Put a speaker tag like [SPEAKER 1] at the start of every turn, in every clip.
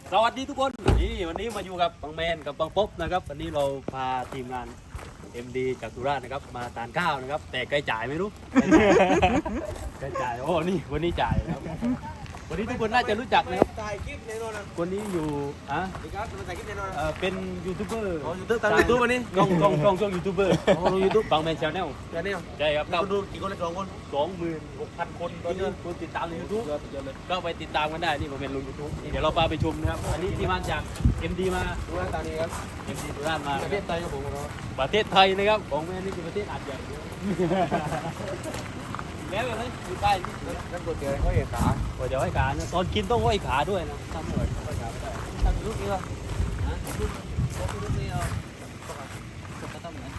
[SPEAKER 1] สวัสดีทุกคนนี่วันนี้มาอยู่กับบังแมนกับบังป๊บนะครับวันนี้เราพาทีมงาน MD จากสุราษฎร์นะครับมาทานข้าวนะครับแต่ใครจ่ายไม่รู้ใครจ่ายโอ้นี่วันนี้จ่ายนะครับวันนี้ทุกคนน่าจะรู้จักนะครับ
[SPEAKER 2] ถ่ายคลิปในโน่นนะ
[SPEAKER 1] คนนี้อยู่อ่ะ
[SPEAKER 2] ดีครับมาถ่ายคลิปในโน่นนะ
[SPEAKER 1] เป็นยูทูบเบอร์
[SPEAKER 2] อ๋อยูทูบตามยูทูบวันนี้
[SPEAKER 1] กล้องช่องยูทูบเบอร์
[SPEAKER 2] อ๋อลงยูทูบ
[SPEAKER 1] บังแมนชาแนล
[SPEAKER 2] แค่นี้
[SPEAKER 1] ใช่ครับ
[SPEAKER 2] คนดูกี่คนเลย2 คน
[SPEAKER 1] 26,000 คนตอนนี้คนติดตามใน YouTube ก็ไปติดตามกันได้นี่ผมเป็นลง YouTube นี่เดี๋ยวเราพาไปชมนะครับอันนี้ทีมงานจาก MD มา
[SPEAKER 2] ดูหน้าตานี้ครับ
[SPEAKER 1] MD สุราษฎร์มา
[SPEAKER 2] ประเทศไทยครับผมครับ
[SPEAKER 1] ประเทศไทยนะครับของแม่นี่คือประเทศอาจใหญ่แล้วเลยอยู่ใต้นี่
[SPEAKER 2] นั่นตัวเดียวเขาเห็นขา
[SPEAKER 1] โอ้เดี๋ยวให้ขานะตอนกินต้องห้อยขาด้วยนะทำไม่ไหวห้อยขาไม่ได้
[SPEAKER 2] ทำลูกนี้เหรอ
[SPEAKER 1] นะลูกนี้เอาก็ต้องไหน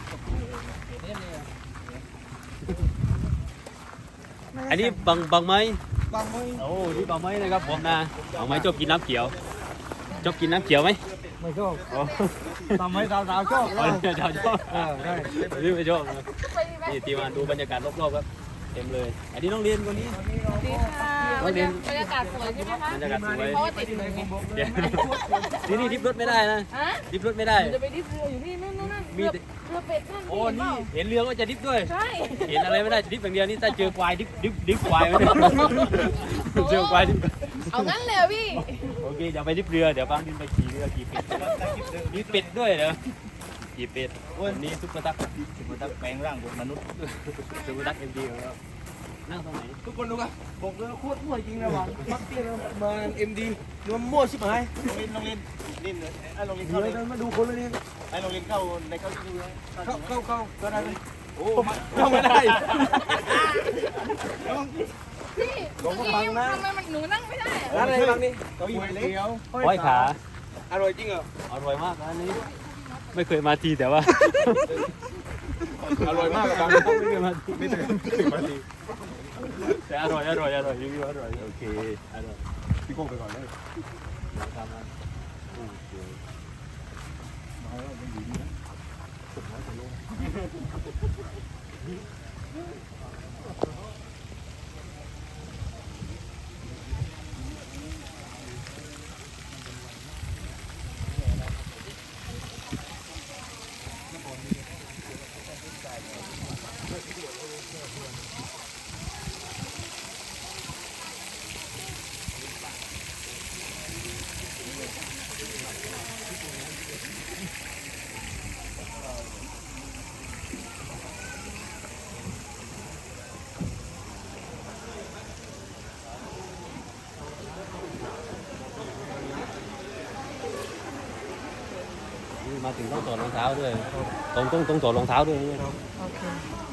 [SPEAKER 1] อันนี้บังไม้
[SPEAKER 2] บางไม่
[SPEAKER 1] โอ้นี่บังไม้นะครับผมนะบังไม้ชอบกินน้ำเขียวชอบกินน้ำเขียวไหม
[SPEAKER 2] ไม่ชอบ
[SPEAKER 1] โอ้
[SPEAKER 2] ทำให้สาวๆชอบ
[SPEAKER 1] ชอบ
[SPEAKER 2] ใช่
[SPEAKER 1] นี่ไม่ชอบนะนี่ทีมาดูบรรยากาศรอบๆครับเต็มเลยอันนี้น้องเรียนคนนี้
[SPEAKER 3] สวัสดีค่ะบรรยากาศสวยใช่ไหมคะ
[SPEAKER 1] บรรยากาศสวย
[SPEAKER 3] เพราะว่าติดหนูไง
[SPEAKER 1] เดี๋ยวที่นี่ดิฟรถไม่ได้นะ
[SPEAKER 3] ฮะ
[SPEAKER 1] ดิฟรถไม่ได้
[SPEAKER 3] หนูจะไปดิฟเรืออยู่นี่นั่นเรือเป็ดนั่น
[SPEAKER 1] โอ้นี่เห็นเรือก็จะดิฟด้วย
[SPEAKER 3] ใช่
[SPEAKER 1] เห็นอะไรไม่ได้ดิฟอย่างเดียวนี่ถ้าเจอควายดิฟควายไม่ได้เจอควายดิฟ
[SPEAKER 3] เอางั้นเลยเหรอพี่
[SPEAKER 1] โอเคอย่าไปดิฟเรือเดี๋ยวบางทีไปขี่เรือขี่เป็ดมีเป็ดด้วยเหรอขี่เป็ดวันนี้ซุปเปอร์ตักแปลงร่างเป็นมนุษย์ซุปเปอร์ตักMDของเรานั่งตรงไหน
[SPEAKER 2] ทุกคนดูกันบอกเลยโคตรมั่วจริงนะวังมักเตี้ยมาMDดูมันมั่วชิบหายโรงเรียนนี่เลยไอ้โรงเรียนเข้าเลยมาดูคนเลยนี่ไอ้โรงเรียนเข้าในเข้าดูเลยเข้าก็ได้เลยโอ้เข้าไม่ได้
[SPEAKER 3] พี่เมื่อกี้ทำไมมันหนูนั่งไม่ได้
[SPEAKER 2] ร้านอะไรบ้างนี่เก้าอี้เดียว
[SPEAKER 1] ห้อยขา
[SPEAKER 2] อร่อยจริงเหรอ
[SPEAKER 1] อร่อยมากร้านนี้ไม่เคยมาทีแต่ว่า
[SPEAKER 2] อร่อยมากครับ
[SPEAKER 1] ไม่เคยมาทีไม่เคยมาทีแต่อร่อยรีวิวอร่อยโอเคอร่อย
[SPEAKER 2] พี่โก้ไปก่อนเลย
[SPEAKER 1] ตามนั้นโอเคนี่มาถึงต้องถอดรองเท้าด้วยต้องถอดรองเท้าด้วย
[SPEAKER 3] โอเค